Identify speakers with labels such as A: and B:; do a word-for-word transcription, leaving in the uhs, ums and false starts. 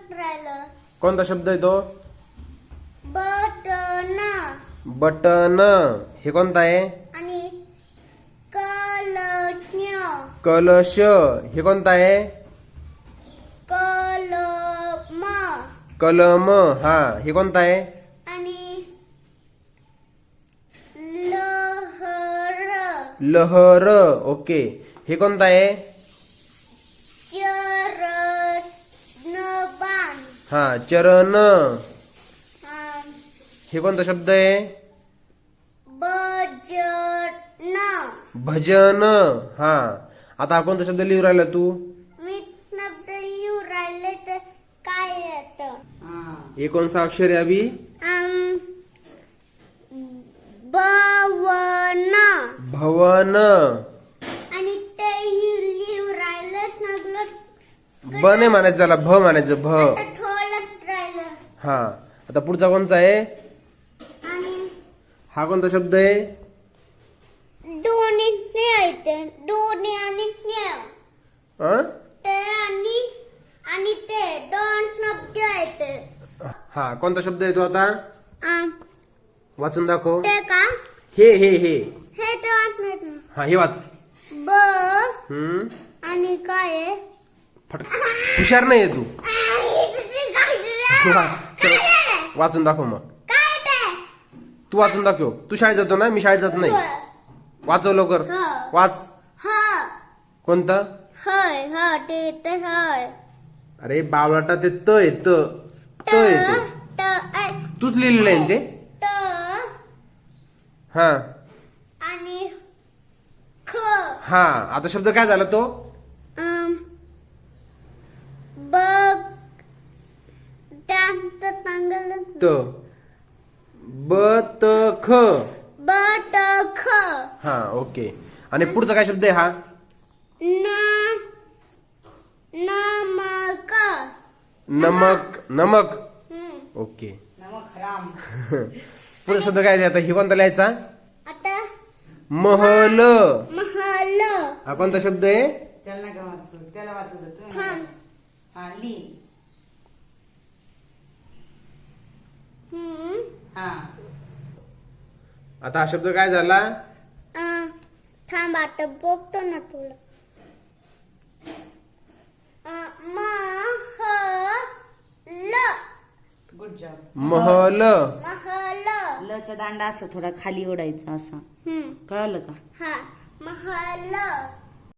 A: राहिलं.
B: कोणता शब्द आहे तो?
A: बटन.
B: बटन. हे कोणता आहे?
A: आणि कलश.
B: कलश. हे कोणता आहे?
A: कलम.
B: कलम. हा, हे कोणता आहे?
A: आणि लहर.
B: लहर. ओके. हे कोणता आहे?
A: चरणबाण.
B: हा, चरण.
A: हा,
B: हे कोणता शब्द आहे?
A: भजन.
B: भजन. हा, आता हा कोणता शब्द लिहून राहिला तू?
A: मी शब्द येऊ राहिले तर काय येतं?
B: हे कोणता अक्षर आहे अभि?
A: अम, भवन.
B: भवन.
A: आणि ते लिहू राहिलंच नसलं
B: ब नाही म्हणायचं त्याला, भ म्हणायचं. भ.
A: तर थोडंच राहिलं.
B: हा, आता पुढचा कोणता आहे?
A: आणि
B: हा कोणता शब्द आहे?
A: दोन्ही स्नेह येते. दोन्ही आणि स्नेह.
B: अं?
A: ते आणि आणि ते दोन शब्द येते.
B: हा, कोणता शब्द आहे तो आता?
A: अम,
B: वाचून दाखव.
A: ते का?
B: हे हे हे
A: हे तर वाचणार ना.
B: हा, हे वाच.
A: ब
B: हम्म.
A: आणि काय आहे?
B: फट हुशार नाही आहे तू.
A: आई, तुझी काय रे?
B: चल, वाचून दाखव मग.
A: काय ते?
B: तू वाचून दाखव. तू शाळेत जातो ना, मी शाळेत जात नाही. वाचव लवकर.
A: ह.
B: वाच.
A: ह.
B: कोणतं?
A: हय ह ते ते हय.
B: अरे बावळाटा, ते त आहे. त त आहे ते.
A: त अ,
B: तूच लिहिलेलं आहे ना ते.
A: त
B: हा
A: आणि ख.
B: हा, आता शब्द काय झाला तो?
A: अम, बघ. त्यात सांगितलं.
B: त. ब त ख.
A: बटख.
B: हा, ओके. आणि पुढचा काय शब्द आहे हा?
A: न नमक.
B: नमक. नमक.
A: हम्म.
B: ओके. पुढचा शब्द काय आहे आता? ही कोणता लिहायचा?
A: आता
B: महल.
A: महल.
B: हा कोणता शब्द आहे?
C: त्याला नका वाचू, त्याला वाचू दे तू.
A: थांब.
C: हा, ली.
A: हम्म.
C: हा.
B: आता हा शब्द काय झाला?
A: अं, थांब आता बघतो ना तुला. अं, महल.
C: Good job.
B: महल.
A: महल.
C: लचा दांडा असं थोडा खाली ओढायचा असा.
A: हम्म.
C: कळलं का?
A: हा, महल.